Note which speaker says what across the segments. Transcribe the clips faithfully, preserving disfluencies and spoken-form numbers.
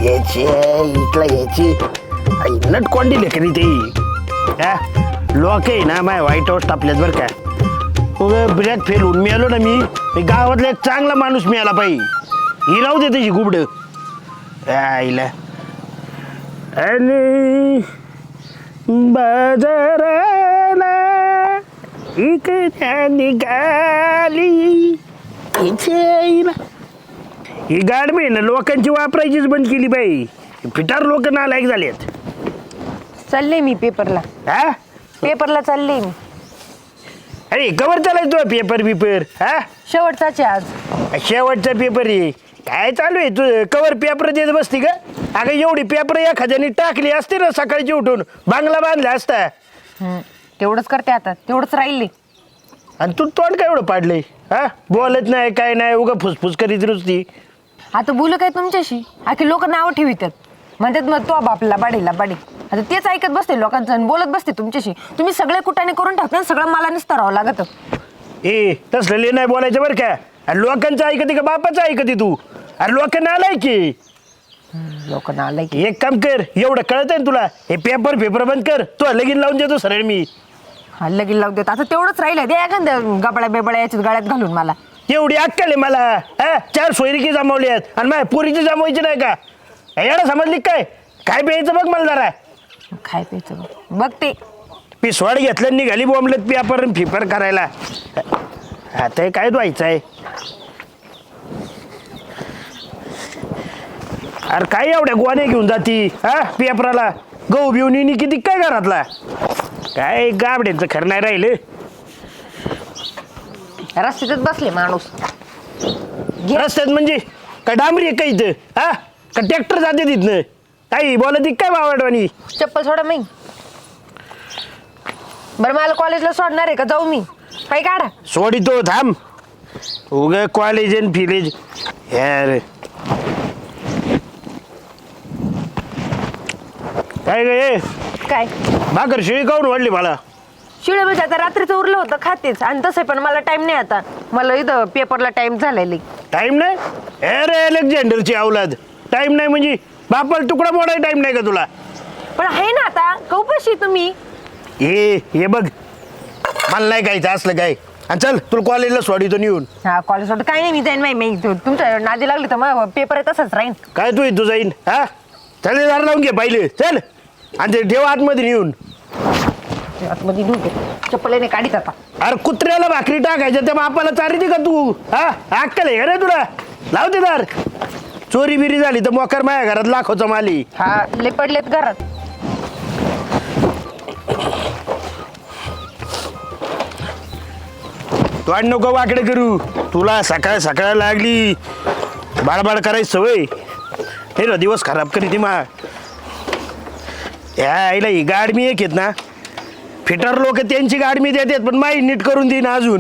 Speaker 1: याची इथला याची नट कोंडी लेकरी ते हा लोक आहे ना माय व्हाईट हाऊस टापल्यात बरं का उगा ब्रॅक फेल होऊन मिळालो ना मी मी गावातला एक चांगला माणूस मिळाला पाहिजे ही राहू दे त्याची गुबड आईला आणि बाजाराला इकड्या निघाली ही गाडमी ना लोकांची वापरायचीच बंद केली बाई फिटार लोक नालायक झालेत
Speaker 2: चालले मी पेपरला
Speaker 1: हा
Speaker 2: पेपरला चालले मी
Speaker 1: अरे कवर चालायचो पेपर बिपर हा
Speaker 2: शेवटचाच आहे आज
Speaker 1: शेवटचा पेपर आहे काय चालू आहे तू कवर पेपर देत बसती का अगं एवढी पेपर एखाद्याने टाकली असते ना सकाळची उठून बांगला बांधला असता
Speaker 2: हम्म, तेवढंच करते आता तेवढंच राहिले
Speaker 1: आणि तू तोंड काय एवढं पाडलंय हा बोलत नाही काय नाही उगा फुसफुस करीत नुसती
Speaker 2: आता बोलू काय तुमच्याशी आखी लोक नावं ठेवितात म्हणतात मग तो बापला बाडीला बाडी आता तेच ऐकत बसते लोकांचं आणि बोलत बसते तुमच्याशी तुम्ही सगळे कुटाने करून टाकता सगळं मला नुसतं राहावं लागत
Speaker 1: ए तसलं नाही बोलायचं बरं का अरे लोकांचं ऐकते का बापाचं ऐकते तू अरे लोकांना आलाय की
Speaker 2: लोकांना आलंय की
Speaker 1: एक काम कर एवढं कळत आहे ना तुला हे पेपर पेपर बंद कर तू लगीन लावून देतो सरळ मी
Speaker 2: हा लगीन लावून देत आता तेवढंच राहिलं दे एखाद्या गबड्या बेबड्या याच्यात गळ्यात घालून मला
Speaker 1: एवढी अक्कल आहे मला हा चार सोयरिकी जमावली आहेत आणि माझ्या पुरीची जमवायची नाही का एवढं समजली काय काय प्यायचं बघ मला जरा
Speaker 2: काय प्यायचं बघ. बघ ते
Speaker 1: पिसवाड घेतलं निघाली बोंबलत पेपर फिपर करायला आता हे काय व्हायचं आहे अरे काय एवढ्या गोवाने घेऊन जाती हा पेपराला गहू बिवून येणी किती काय घरातला काय गाबड्यांचं खरं नाही राहिलं
Speaker 2: रस्त्यातच बसले माणूस
Speaker 1: रस्त्यात म्हणजे काय डांबरी आहे का इथं हा का ट्रॅक्टर जाते तिथनं काही बोलत काय बावडवानी
Speaker 2: चप्पल सोडा मी बरं मला कॉलेजला सोडणार आहे का जाऊ मी पाय काढा
Speaker 1: सोडितो थांब उग कॉलेज आणि फिलेज यार काय गे
Speaker 2: काय
Speaker 1: भाकर शिळी काऊन वाढली मला
Speaker 2: शिळे म्हणजे आता रात्रीचं उरलं होतं खातेच आणि तसं पण मला टाइम नाही आता मला इथं पेपरला टाइम झालेली
Speaker 1: टाइम नाही अरे अलेक्झांडरची अवलाद टाइम नाही म्हणजे बापाला तुकडा मोडाय टाइम नाही का तुला
Speaker 2: पण आहे ना आता कौपाशी तुम्ही
Speaker 1: हे हे बघ मला नाही कायचं असलं काय आणि चल तुला कॉलेजला सोडितो नेऊन
Speaker 2: हा कॉलेज वाटतं काही नाही मी जाईन माही मी तुमच्या नादी लागली तर मग पेपर आहे तसंच राहीन
Speaker 1: काय तू तू जाईन हा चल दार लावून घे पाहिले चल आणि ते ठेव आतमध्ये नेऊन
Speaker 2: आतमध्ये ढुके चप्पलेने काढीत आता
Speaker 1: अरे कुत्र्याला भाकरी टाकायच्या त्या बापाला चारिती का तू हा अक्कल आहे का रे तुला लावते दार चोरी बिरी झाली तर मोकर माझ्या घरात लाखोचा माली
Speaker 2: हा ले पडलेत घरात
Speaker 1: तू आणि नको वाकडे करू तुला सकाळ सकाळ लागली बाळबाळ करायची सवय हे ना दिवस खराब करी ती मा या आईला ही गाडमी एक आहेत ना फिटर लोक त्यांची गाडमी देतात पण माई नीट करून देईन अजून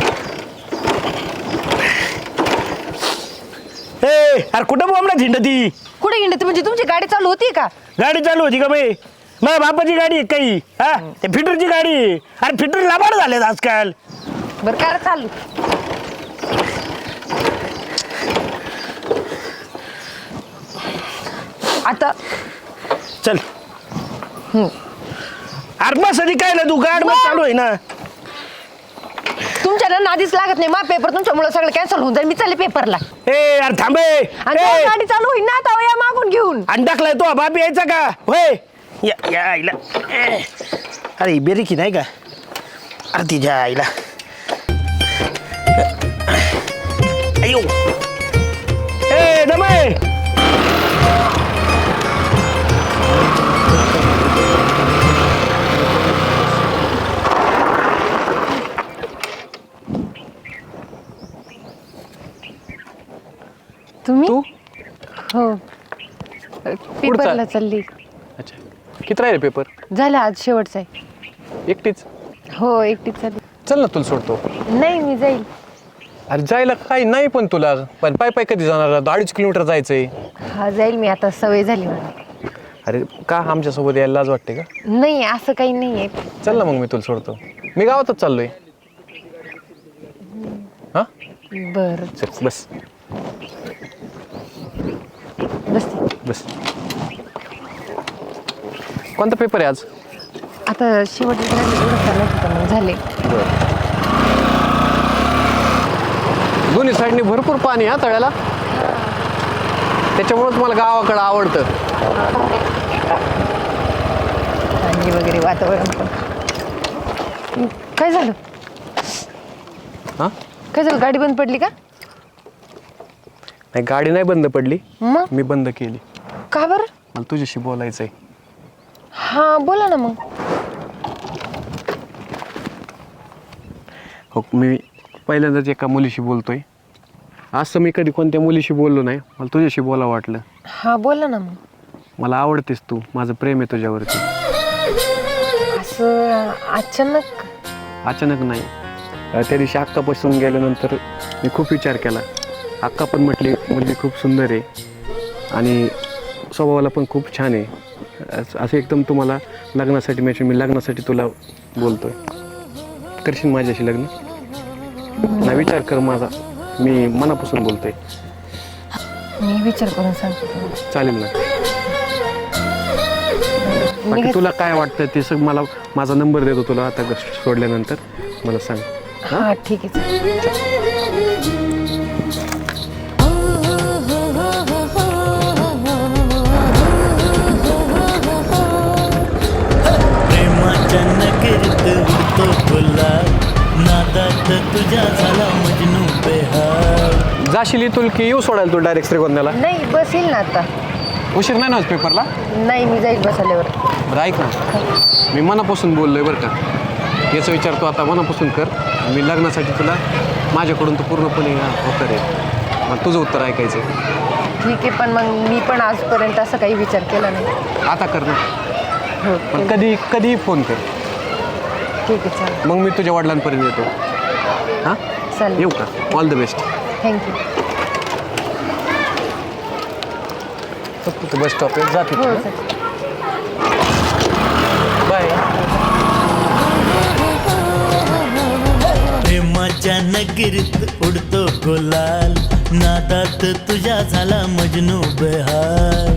Speaker 1: ए अरे कुठं बोंबला थिंड ती
Speaker 2: कुठे गेली म्हणजे तुमची गाडी चालू होती का
Speaker 1: गाडी चालू होती का बाई माझ्या बापाची गाडी आहे काही हा ते फिटरची गाडी आहे. अरे फिटर लाभाड झालेत आजकाल
Speaker 2: बरं काय चालू आता
Speaker 1: चल अरे बस आधी काय ना तू गाड मग चालू आहे ना
Speaker 2: तुमच्या ना नादीच लागत नाही मा पेपर तुमच्यामुळे सगळं कॅन्सल होऊन जाईल मी चालले पेपरला
Speaker 1: ए यार थांबे
Speaker 2: आणि तेव्हा गाडी चालू होईल ना आता या मागून घेऊन
Speaker 1: अंडाकलाय तो बाप यायचा का होय या या आईला ए, अरे बेरी की नाही का अरे तिच्या आईला अयो ए दमे
Speaker 2: तुम्ही
Speaker 3: तू
Speaker 2: हो पेपरला चालली
Speaker 3: अच्छा किती राहिले पेपर
Speaker 2: झालं आज शेवटचा आहे
Speaker 3: एकटीच
Speaker 2: हो एकटीच चालली
Speaker 3: चल ना तुला सोडतो
Speaker 2: नाही मी जाईल
Speaker 3: अरे जायला काही नाही पण तुला पण पाय पाय कधी जाणार अडीच किलोमीटर जायचंय
Speaker 2: हा जाईल मी आता सवय झाली मला
Speaker 3: अरे का आमच्यासोबत यायला लाज वाटते का
Speaker 2: नाही असं काही नाही आहे
Speaker 3: चल ना मग मी तुला सोडतो मी गावातच चाललोय हा
Speaker 2: बरं
Speaker 3: चल बस
Speaker 2: बसते
Speaker 3: बस. कोणता पेपर आहे आज?
Speaker 2: आता शेवटचं राहिलं एवढं चालत होतं मग झाले.
Speaker 3: दोन्ही साईडनी भरपूर पाणी हा तळ्याला, त्याच्यामुळेच मला गावाकडं आवडतं.
Speaker 2: पाणी वगैरे वातावरण पण. काय झालं?
Speaker 3: हां
Speaker 2: काय झालं, गाडी बंद पडली का?
Speaker 3: नाही, गाडी नाही बंद पडली,
Speaker 2: मग
Speaker 3: मी बंद केली.
Speaker 2: का बरं?
Speaker 3: मला तुझ्याशी बोलायचं आहे.
Speaker 2: हा बोला ना मग.
Speaker 3: हो, मी पहिल्यांदाच एका मुलीशी बोलतोय. असं मी कधी कोणत्या मुलीशी बोललो नाही, मला तुझ्याशी बोलावं वाटलं.
Speaker 2: हा बोला ना मग.
Speaker 3: मला आवडतेस तू, माझं प्रेम आहे तुझ्यावरती.
Speaker 2: असं अचानक?
Speaker 3: अचानक नाही, अं, त्या दिवशी अक्कापासून गेल्यानंतर मी खूप विचार केला. अक्का पण म्हटली मुलगी खूप सुंदर आहे आणि स्वभावाला पण खूप छान आहे. असं असं एकदम तुम्हाला लग्नासाठी म्हणजे मी लग्नासाठी तुला बोलतोय. करशील माझ्याशी लग्न? ना विचार कर माझा, मी मनापासून बोलतोय.
Speaker 2: मी विचार करून सांगते तुम्हाला.
Speaker 3: चालेल ना? बाकी तुला काय वाटतं ते सग मला माझा नंबर देतो तुला आता सोडल्यानंतर, मला सांग.
Speaker 2: हा ठीक आहे चालेल.
Speaker 4: प्रेमाच्या नगरीत उडतो गुलाल, नादात तुझ्या झाला मजनू बेहाल.
Speaker 3: जाशील इथून की येऊ सोडायला तू डायरेक्ट श्रीगोंद्याला?
Speaker 2: नाही बस येईल ना आता.
Speaker 3: उशीर नाही ना होत पेपरला?
Speaker 2: नाही मी जाईल बस आल्यावर.
Speaker 3: बरं ऐक ना, मी मनापासून बोललोय बरं का. याचा विचार तू आता मनापासून कर. मी लग्नासाठी तुला माझ्याकडून तू पूर्णपणे होतं रे. मग तुझं उत्तर ऐकायचं.
Speaker 2: ठीक आहे, पण मग मी पण आजपर्यंत असं काही विचार केला नाही.
Speaker 3: आता कर ना.
Speaker 2: हो
Speaker 3: पण कधी कधीही फोन कर.
Speaker 2: ठीक आहे चालेल.
Speaker 3: मग मी तुझ्या वडिलांपर्यंत येतो. हां
Speaker 2: चालेल.
Speaker 3: येऊ का? All the best.
Speaker 2: थँक्यू.
Speaker 3: तू बस स्टॉपवर जाते.
Speaker 2: हो चालेल.
Speaker 3: बाय.
Speaker 4: प्रेमाच्या नगरीत उडतो गुलाल, नादात तुझ्या झाला मजनू बेहाल.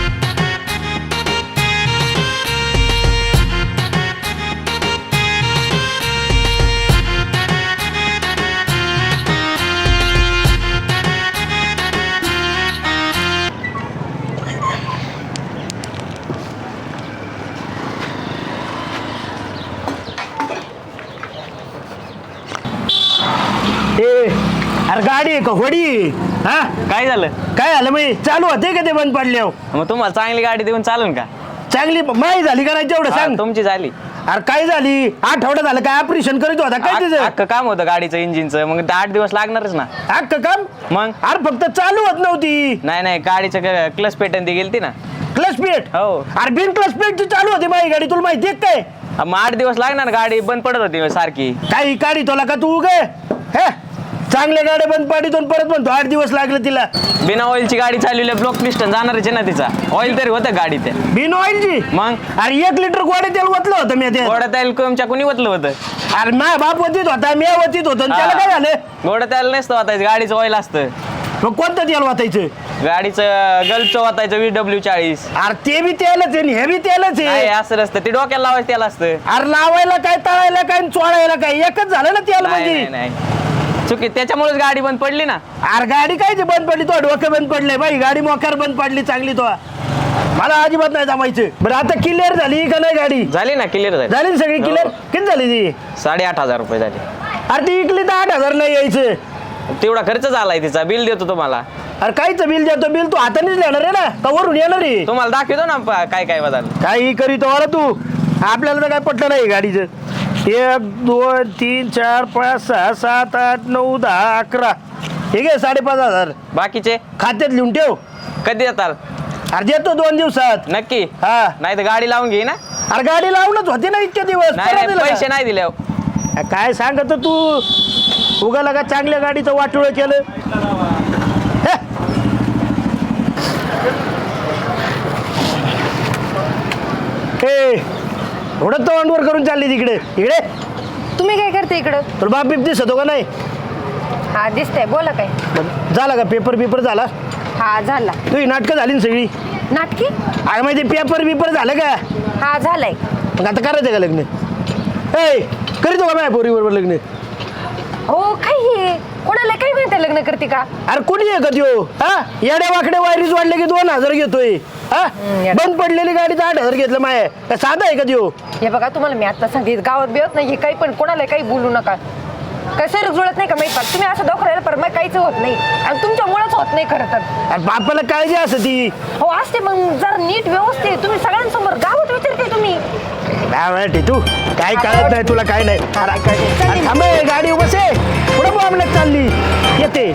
Speaker 1: ए अरे गाडी आहे का होडी? हा
Speaker 5: काय झालं?
Speaker 1: काय झालं मी चालू होते का ते बंद पडले?
Speaker 5: मग तुम्हाला चांगली गाडी देऊन चालून का?
Speaker 1: चांगली माही झाली का नाही तेवढं
Speaker 5: हा,
Speaker 1: सांग.
Speaker 5: तुमची झाली.
Speaker 1: अरे काय झाली? आठवडा झालं काय ऑपरेशन करीत होता काय तिचं?
Speaker 5: अख्खं काम होतं गाडीचं इंजिनचं, मग ते आठ दिवस लागणारच ना.
Speaker 1: अख्खं काम?
Speaker 5: मग
Speaker 1: अरे फक्त चालू होत नव्हती.
Speaker 5: नाही नाही, गाडीचं क्लच पेटन ती गेलती ना.
Speaker 1: Clutch plate?
Speaker 5: हो.
Speaker 1: अरे बिन क्लच प्लेटची चालू होती माझी गाडी, तुला माहिती आहे काय?
Speaker 5: हा, मग आठ दिवस लागणार, गाडी बंद पडत होती सारखी.
Speaker 1: काही गाडी तुला का तू गे हे चांगल्या गाड्या बंद पाडीतून परत म्हणतो आठ दिवस लागले तिला.
Speaker 5: बिना ऑइलची गाडी चालवली, ब्लॉक पिस्टन जाणारच आहे ना तिचा. ऑइल तरी होतं गाडी त्या.
Speaker 1: बिन ऑइलची?
Speaker 5: मग
Speaker 1: अरे एक लिटर गोडे तेल ओतलं होतं मी ते.
Speaker 5: गोडा तेल तुमच्या कोणी ओतलं होतं?
Speaker 1: अरे माझा बाप वतीत होता, मी वतीत होतो आणि त्याला काय झालं?
Speaker 5: गोडा तेल नसतं वाटायचं, गाडीचं ऑइल असतं.
Speaker 1: मग कोणतं तेल वाचायचं?
Speaker 5: गाडीचं गल्फचं वाटायचं वी डब्ल्यू चाळीस.
Speaker 1: अरे ते बी तेलच आहे आणि हे बी तेलच
Speaker 5: नाही
Speaker 1: आहे.
Speaker 5: असं नसतं, ते डोक्याला लावायचं तेल असतं.
Speaker 1: अरे लावायला काय, तळायला काय आणि चोळायला काय एकच झालं ना तेल
Speaker 5: नाही
Speaker 1: म्हणजे.
Speaker 5: नाही, नाही चुकी, त्याच्यामुळेच गाडी बंद पडली ना.
Speaker 1: अरे गाडी काय ते बंद पडली, तो डोकं बंद पडलंय बाई, गाडी मोकार बंद पडली चांगली. तो मला अजिबात नाही जमायचं. बरं आता क्लिअर झाली का नाही गाडी?
Speaker 5: झाली ना, क्लिअर झाली.
Speaker 1: झाली ना सगळी क्लिअर?
Speaker 5: हो.
Speaker 1: किती झाली ती?
Speaker 5: साडेआठ हजार रुपये झाले.
Speaker 1: अरे ती इकली तर आठ हजार नाही यायचं.
Speaker 5: तेवढा खर्च झालाय तिचा, बिल देतो तुम्हाला.
Speaker 1: अरे कायचं बिल देतो? बिल तू हातानेच लिहिणार आहे ना का वरून येणार आहे?
Speaker 5: तुम्हाला दाखवतो ना प- काय काय बदल.
Speaker 1: काही करीतो अरे तू, आपल्याला तर काय पटलं नाही गाडीचं. एक दोन तीन चार पाच सहा सात आठ नऊ दहा अकरा, ठीक आहे साडेपाच हजार
Speaker 5: बाकीचे
Speaker 1: खात्यात लिहून ठेव.
Speaker 5: कधी येताल?
Speaker 1: अरे देतो दोन दिवसात.
Speaker 5: नक्की?
Speaker 1: हा.
Speaker 5: नाही तर गाडी लावून घे ना.
Speaker 1: अरे गाडी लावूनच होती ना इतके दिवस.
Speaker 5: नाही
Speaker 1: परत
Speaker 5: नाही,
Speaker 1: दिलं
Speaker 5: पैसे
Speaker 1: का?
Speaker 5: नाही दिले.
Speaker 1: अ, काय सांगत तू उगाला का चांगल्या गाडीचं वाटोळ केलं. हे. ए एवढं तोंडवर करून चालली तिकडे इकडे.
Speaker 2: तुम्ही काय करते इकडं?
Speaker 1: तुला बाप बीप दिसतो का नाही?
Speaker 2: हा दिसतंय, बोला काय.
Speaker 1: मग झाला का पेपर बिपर झाला?
Speaker 2: हा झाला.
Speaker 1: तुझी नाटकं झाली ना सगळी?
Speaker 2: नाटकी
Speaker 1: अरे माहिती पेपर बिपर झालं का
Speaker 2: हा झालंय.
Speaker 1: मग आता करायचं का लग्न ए करीतो का माझ्या पोरी बरोबर लग्न
Speaker 2: हो काही कोणाला काही माहिती लग्न करते का.
Speaker 1: अरे कोणी आहे का त्यो हा येड्या वाकडे वायरीज वाढले की दोन हजार घेतोय हा
Speaker 2: येड्या.
Speaker 1: बंद पडलेली गाडीचं आठ हजार घेतलं माय का साधा आहे का त्यो
Speaker 2: हे बघा तुम्हाला मी आता सांगितलं गावात बिवत नाही काही पण कोणाला काही बोलू नका. काय सर जुळत नाही का माहिती पाठ तुम्ही असं दाखवायला पर मग काहीच होत नाही आणि तुमच्यामुळेच होत नाही खरं तर.
Speaker 1: अरे बापाला काळजी असं ती
Speaker 2: हो असते मग जर नीट व्यवस्थित तुम्ही सगळ्यांसमोर गावात विचारते तुम्ही.
Speaker 1: काय म्हणते तू काय कळत नाही तुला काय नाही अरे, अरे, थांब ए, गाडी बस आहे पुढे बॉम्बलेट चालली येते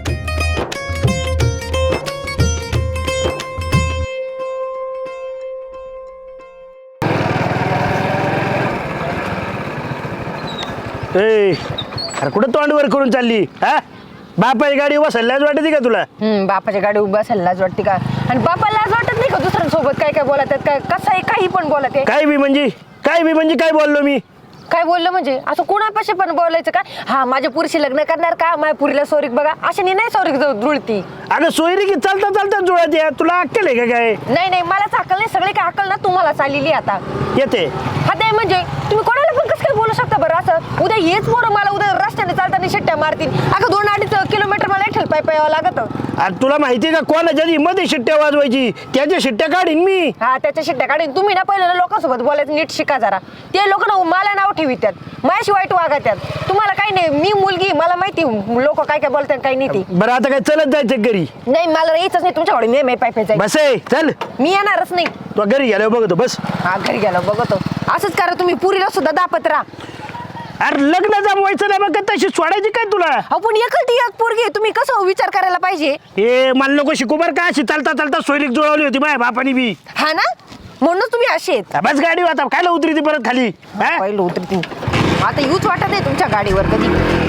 Speaker 1: ए अरे कुठं तोंडवर करून चालली हा बापाची गाडी बसायलाच वाटते का तुला
Speaker 2: हम्म बापाच्या गाडी उभा असेल लाज वाटते का आणि बापाला लाज वाटत नाही का दुसऱ्यांसोबत काय काय बोलत आहेत काय कसं आहे काही पण बोलत आहे.
Speaker 1: काय बी म्हणजे काय बी म्हणजे काय बोललो मी
Speaker 2: काय बोललं म्हणजे असं कोणापाशी पण बोलायचं का हा माझ्या पुरीशी लग्न करणार का माझ्या पुरीला सोरीक बघा अशाने नाही सोरीक जाऊ जुळती.
Speaker 1: अगं सोयरी की चालता चालता जुळत या तुला अक्कल आहे का काय
Speaker 2: नाही नाही मलाच अक्कल नाही सगळे काय अक्कल ना तुम्हाला चाललेली आता.
Speaker 1: येते
Speaker 2: हा ते म्हणजे तुम्ही कोणाला पण कसं काय बोलू शकता बरं असं उद्या हेच पोरं मला उद्या रस्त्याने चालताना शिट्ट्या मारतील अगं दोन अडीच किलोमीटर मला एकठेल पाय पायावं लागत.
Speaker 1: अरे तुला माहिती आहे का कोणाच्या मध्ये शिट्ट्या वाजवायची त्याच्या शिट्ट्या काढीन मी
Speaker 2: हा त्याच्या शिट्ट्या काढून तुम्ही ना पहिलं लोकांसोबत बोलायचं नीट शिका जरा. ते लोक ना मला नाव ठेवित्यात माझ्याशी वाईट वागत्यात. तुम्हाला काही नाही मी मुलगी मला माहिती लोक काय काय बोलतात काही नाही ती.
Speaker 1: बरं आता काय चलत जायचं घरी
Speaker 2: नाही मला यायचंच नाही तुमच्याकडे मी मी पाय पाय जायचं.
Speaker 1: बस आहे चल
Speaker 2: मी येणारच नाही.
Speaker 1: तू घरी गेल्यावर बघतो बस
Speaker 2: हा घरी गेलो बघतो असंच करा तुम्ही पुरीला सुद्धा दापत राहा.
Speaker 1: अरे लग्न जमवायचं नाही मग तशी सोडायची काय तुला
Speaker 2: आपण एकलती एक पोरगी आहे, तुम्ही कसं विचार करायला पाहिजे.
Speaker 1: हे मला नको शिकू बरं का अशी चालता चालता सोयरीक जुळवली होती माझ्या बापानी बी
Speaker 2: हा ना म्हणूनच तुम्ही असे आहेत.
Speaker 1: बस गाडी आता काय उतरी ती परत खाली हा?
Speaker 2: पहिलं उतरती आता यूच वाटत नाही तुमच्या गाडीवर कधी.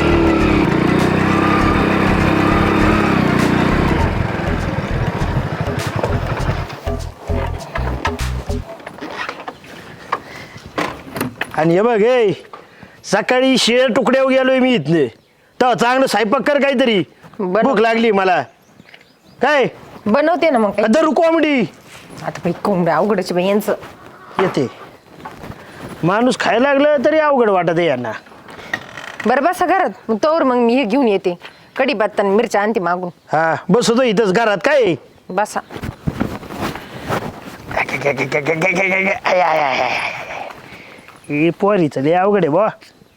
Speaker 1: आणि हे बघ हे सकाळी शेळ तुकड्यावर गेलोय मी इथने तर चांगलं स्वयंपाक कर काहीतरी
Speaker 2: बरं.
Speaker 1: भूक लागली मला काय
Speaker 2: बनवते ना मग काही.
Speaker 1: दरू कॉमेडी
Speaker 2: आता बाई कोंबड्या अवघडच बाई यांचं.
Speaker 1: येते माणूस खायला लागलं तरी अवघड वाटत आहे यांना
Speaker 2: बरं बसा घरात मग तोवर मग मी हे घेऊन येते कढी पत्ता आणि मिरच्या आणते मागून.
Speaker 1: हा बसतो इथंच घरात काय
Speaker 2: बसा.
Speaker 1: आय, आय, आय, आय. हे पोरीचं लय अवघड आहे बा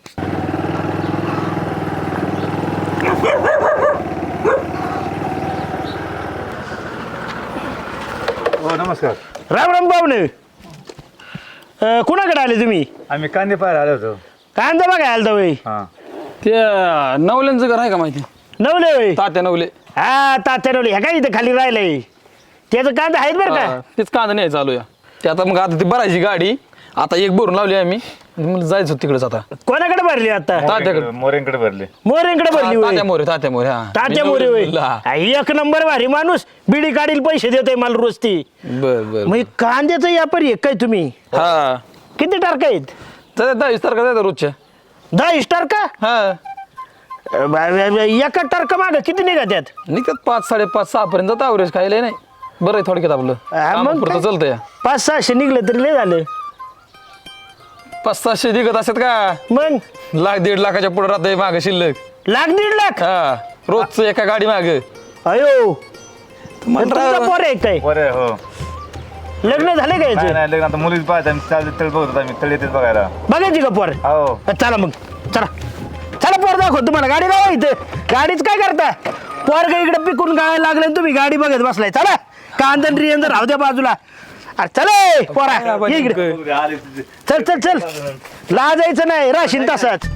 Speaker 6: हो नमस्कार.
Speaker 1: राम राम पाहुणे अं, कुणाकडे आले तुम्ही
Speaker 6: आम्ही कांदे पाहायला आलो होतो.
Speaker 1: कांदा बघा आलता वय
Speaker 6: हां
Speaker 5: ते नवल्यांचं घर आहे का माहिती
Speaker 1: नवले वय
Speaker 5: तात्या नवले
Speaker 1: हा तात्या नवले ह्या काय इथं खाली राहिलंय त्याचं कांदा आहेत बरं
Speaker 5: हा,
Speaker 1: का
Speaker 5: तेच कांदा नाही चालू या ते आता मग आता ती भरायची गाडी आता एक भरून लावली आम्ही मला जायचं होतं तिकडेच आता
Speaker 1: कोणाकडे भरली आता
Speaker 5: तात्याकडे
Speaker 6: मोरेंकडे भरले.
Speaker 1: मोरेंकडे भरली
Speaker 5: तात्या
Speaker 1: वय
Speaker 5: मोरे तात्या मोरे हा
Speaker 1: तात्या
Speaker 5: मी
Speaker 1: मोरे
Speaker 5: नवरे
Speaker 1: वय
Speaker 5: बोलला.
Speaker 1: हा, एक नंबर भारी माणूस बिडी काढील पैसे देतोय मला रोज ती
Speaker 5: बर बर
Speaker 1: मग कांद्याचं व्यापारी आहे काय तुम्ही
Speaker 5: हा
Speaker 1: किती टारक आहेत
Speaker 5: तर दहा तारखा जायचं रोजच्या
Speaker 1: दहा स्टार का
Speaker 5: हा
Speaker 1: ब- ब- ब- एका टारक माग किती निघत्यात
Speaker 5: निघतात पाच साडेपाच सहा पर्यंत जातं अवरेज खायला नाही बरं आहे थोडक्यात आपलं
Speaker 1: हा, मग
Speaker 5: कामापुरतं
Speaker 1: काय?
Speaker 5: चालतं या
Speaker 1: पाच सहाशे निघलं तरी लय झालं
Speaker 5: पाच सहाशे निघत असतात का
Speaker 1: मग
Speaker 5: लाख दीड लाखाच्या पुढे राहते माग शिल्लक
Speaker 1: लाख दीड लाख
Speaker 5: हा रोजचं एका गाडी माग
Speaker 1: अयो तुमचा पोर आहे काय
Speaker 6: बरं हो.
Speaker 1: लग्न झाले का
Speaker 6: नाही
Speaker 1: याचं
Speaker 6: नाही लग्न आता मुलीच पाहत आम्ही चालते तळ बघत होतो आम्ही तळ येतेच बघायला.
Speaker 1: बघायची का पोर
Speaker 6: हो
Speaker 1: चला मग चला चला पोर दाखव तुम्हाला गाडी लावा इथं गाडीच काय करता पोर का इकडे पिकून गाय लागले आणि तुम्ही गाडी बघत बसलाय चला कांदन रियंदर राहू द्या बाजूला अरे चल पोरा ये इकडे
Speaker 6: आले तिथे.
Speaker 1: चल चल चल लाजायचं नाही राशीन तसाच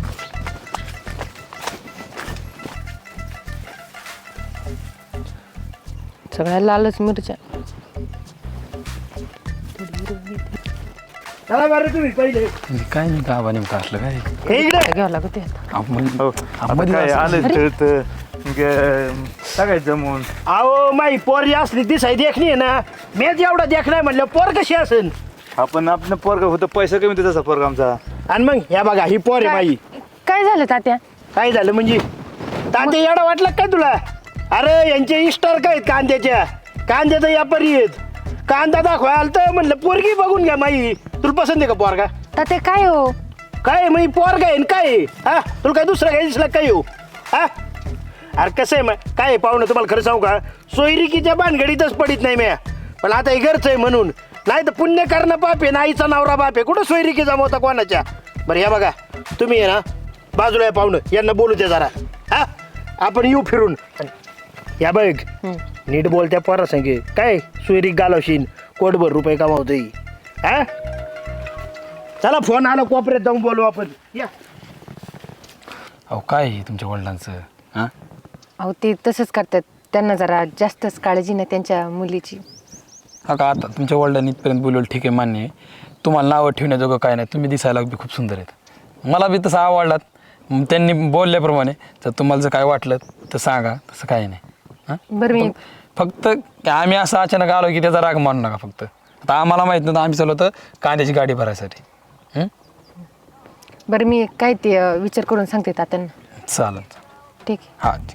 Speaker 2: सगळ्या लालच मिरच्या.
Speaker 1: चला बरं तुम्ही पहिले
Speaker 5: काय नाही गावा नेमकं असलं काय
Speaker 1: हे इकडे
Speaker 2: घ्यावं लागत आहे.
Speaker 5: आपण
Speaker 6: हो. आता काय आले तळत सगळ्यात जमून
Speaker 1: अहो माई पोर जी असली ती साई देखणी आहे ना मेच एवढा देखणार म्हणलं पोर कशी असेल
Speaker 6: आपण आपलं पोरग होतं पैसा कमी होते तसा पोरग आमचा.
Speaker 1: आणि मग ह्या बघा ही पोर आहे माई
Speaker 2: काय झालं तात्या.
Speaker 1: काय झालं म्हणजे तांदे एवढा वाटला काय तुला अरे यांचे इस्टार काय आहेत कांद्याच्या कांद्याचा व्यापारी आहेत कांदा दाखवायला तर म्हणलं पोरगी बघून घ्या माई. तुला पसंत आहे का पोरगा?
Speaker 2: तर ते काय हो
Speaker 1: काय मग पोरगा आहे न काय आहे? हा तुला काय दुसरा काय दिसला काय येऊ? हा अरे कसं आहे मग काय आहे पाहुणं, तुम्हाला खरं सांगू का, सोयरिकीच्या भानगडीतच पडित नाही म्या. पण आता हे घरचं आहे म्हणून, नाही तर पुण्य करणं बाप आहे, नाहीचा नवरा बाप आहे. कुठं सोयरिकी जमवता कोणाच्या? बरं या बघा, तुम्ही आहे ना बाजूला आहे पाहुणं, यांना बोलू द्या जरा. हा आपण येऊ फिरून. या बघ नीट बोलत्या पोरा सांगे काय सोयरीक घालवशील, कोटभर रुपये कमावतोय. हा चला फोन आला कोपऱ्यात जाऊन बोलू आपण. या
Speaker 5: अहो काय आहे तुमच्या वडिलांचं हां?
Speaker 2: अहो ते तसंच करतात, त्यांना जरा जास्तच काळजी नाही त्यांच्या मुलीची.
Speaker 5: हा का आता तुमच्या वडिलांनी इथपर्यंत बोलवलं ठीक आहे, मान्य आहे. तुम्हाला नावं ठेवण्याजोगं काय नाही, तुम्ही दिसायला बी खूप सुंदर आहेत, मला बी तसं आवडलात. मग त्यांनी बोलल्याप्रमाणे जर तुम्हाला जर काय वाटलं तर सांगा, तसं काही नाही. हां
Speaker 2: बरं मी
Speaker 5: फक्त आम्ही असं अचानक आलो की त्याचा राग मानू नका. फक्त आता आम्हाला माहीत नव्हतं, आम्ही चाललो होतं कांद्याची गाडी भरायसाठी. हं?
Speaker 2: बरं मी काय ते अं, विचार करून सांगते तात्यांना.
Speaker 5: चालेल.
Speaker 2: ठीक आहे.
Speaker 5: हां ठीक.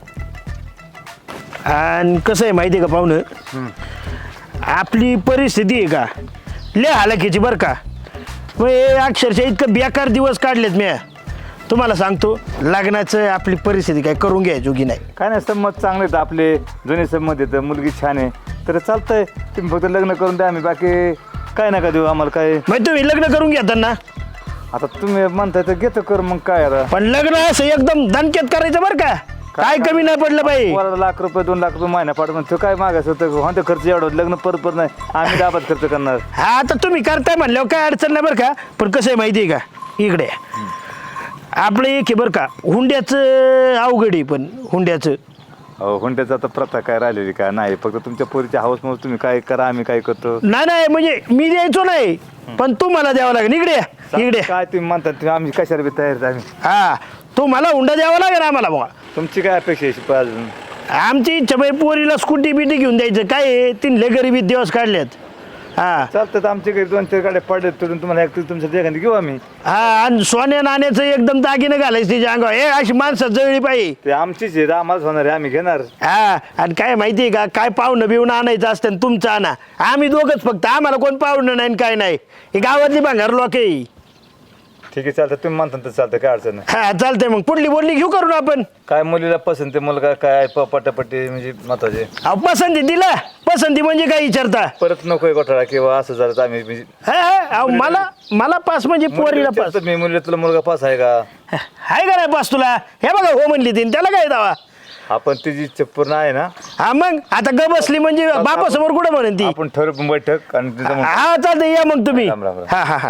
Speaker 1: आणि कसं आहे माहिती आहे का पाहुणं, आपली परिस्थिती आहे का लय हालाकीची बरं का. मग हे अक्षरशः इतकं बेकार दिवस काढलेत मी तुम्हाला सांगतो. लग्नाचं आपली परिस्थिती काय करून घ्यायचोगी नाही.
Speaker 6: काय नाही, संमत चांगले आहेत आपले, जुने संमत येतं, मुलगी छान आहे, तर चालतंय. तुम्ही फक्त लग्न करून द्या, आम्ही बाकी काय नका देऊ आम्हाला काय.
Speaker 1: मग तुम्ही लग्न करून घेता ना,
Speaker 6: आता तुम्ही म्हणताय तर घेतो कर, मग काय आता.
Speaker 1: पण लग्न असं एकदम दणक्यात करायचं बरं का, काय कमी नाही पडलं पाहिजे.
Speaker 6: पोराला लाख रुपये दोन लाख रुपये महिना पाठवून तो काय मागायचं होतं, होतं खर्च एवढा, लग्न परत परत नाही, आम्ही दाबात खर्च करणार.
Speaker 1: हा आता तुम्ही करताय म्हणल्यावर काय अडचण नाही बरं का. पण कसं आहे माहिती आहे का, इकडे आपलं एक आहे बरं का, हुंड्याचं अवघड आहे. पण हुंड्याचं
Speaker 6: हो, हुंड्याचा आता प्रथा काय राहिलेली काय नाही, फक्त तुमच्या पोरीच्या हाऊस मग तुम्ही काय करा, आम्ही काय करतो.
Speaker 1: नाही नाही म्हणजे मी द्यायचो नाही, पण तू मला द्यावं लागेल. इकडे या, इकडे या.
Speaker 6: काय तुम्ही म्हणतात ते आम्ही कशाला बी तयार आहे आम्ही.
Speaker 1: हा तू मला हुंडा द्यावा लागेल आम्हाला बघा.
Speaker 6: तुमची काय अपेक्षा आहे शिपाई अजून?
Speaker 1: आमची इच्छा बाई पोरीला स्कूटी बिटी घेऊन द्यायचं. काय आहे, तिनले गरिबीत दिवस काढलेत. हा
Speaker 6: चालतं, तर आमच्या घरी दोन चार गाड्या पडल्यात, तोडून तुम्हाला एक तुमच्या एखादी घेऊ आम्ही.
Speaker 1: हा आणि सोन्या नाण्याचं एकदम दागिनं घालायचं तिच्या अंगावर. हे अशी माणसं जळली पाहिजे.
Speaker 6: ते आमचीच आहे, आम्हालाच होणार आहे, आम्ही घेणार.
Speaker 1: हा आणि काय माहिती आहे का, काय पाहुणं बिवणं आणायचं असतं ना तुमचं आणा, आम्ही दोघंच फक्त, आम्हाला कोण पाहुणं नाही काय नाही. ही गावातली भांगार लोक आहे.
Speaker 6: ठीक आहे, चालतं, तुम्ही म्हणता तर चालतं, काय अडचण नाही.
Speaker 1: हा चालतंय, मग पुढली बोलली घेऊ करून आपण.
Speaker 6: काय मुलीला पसंत आहे, मुलगा काय प- पटापटी म्हणजे महत्वाचे.
Speaker 1: अहो पसंती दिला, पसंती म्हणजे काय विचारता.
Speaker 6: परत नकोय घोटाळा किंवा असं झालं तर आम्ही म्हणजे
Speaker 1: हा हा अहो मला मला पास म्हणजे पोरीला पास.
Speaker 6: विचारतो मी, मुलीला तुला मुलगा पास आहे का?
Speaker 1: हाय का नाही पास तुला? हे बघा हो म्हणली तीन, त्याला काय दावा.
Speaker 6: आपण तिची इच्छा पूर्ण आहे ना,
Speaker 1: हा मग आता ग बसली म्हणजे बापासमोर कुठं म्हणेन ती.
Speaker 6: आपण ठरवू बैठक आणि तिचं मग-
Speaker 1: हा चालतंय, या मग तुम्ही.
Speaker 6: राम, राम, राम.
Speaker 1: हा हा हा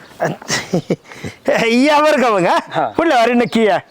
Speaker 1: या बरं का मग. हा पुढल्या वारी नक्की या.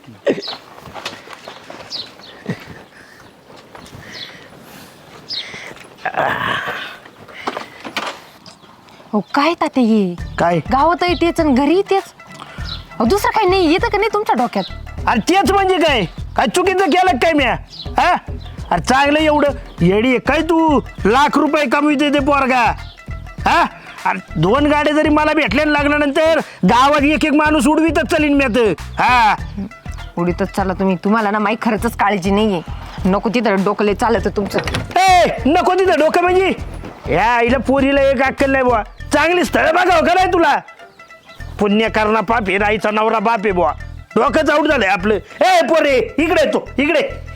Speaker 2: हो काय ताते हे
Speaker 1: काय
Speaker 2: गावातही तेच आणि घरी तेच. अहो दुसरं काही नाही येतं का नाही तुमच्या डोक्यात?
Speaker 1: अरे तेच म्हणजे काय काय चुकीचं केलं काय म्या? हा अरे चांगलं एवढं येडी आहे काय तू, लाख रुपये कमविते ते पोरगा. हा अरे दोन गाड्या जरी मला भेटल्या ना लागल्यानंतर गावात एक एक माणूस उडवीतच चालीन मी आता. हा
Speaker 2: उडीतच चाला तुम्ही, तुम्हाला ना माही खरंच काळजी नाहीये. नको तिथं डोकले चालत तुमचं.
Speaker 1: ए नको तिथं डोकं म्हणजे, या आईला पोरीला एक अक्कल नाही बुवा. चांगली स्थळं बघावं का नाही तुला? पुण्य करणा पाप आहे, राईचा नवरा बाप आहे बुवा. डोकंच आऊट झालंय आपलं. ए पोरे इकडे तो इकडे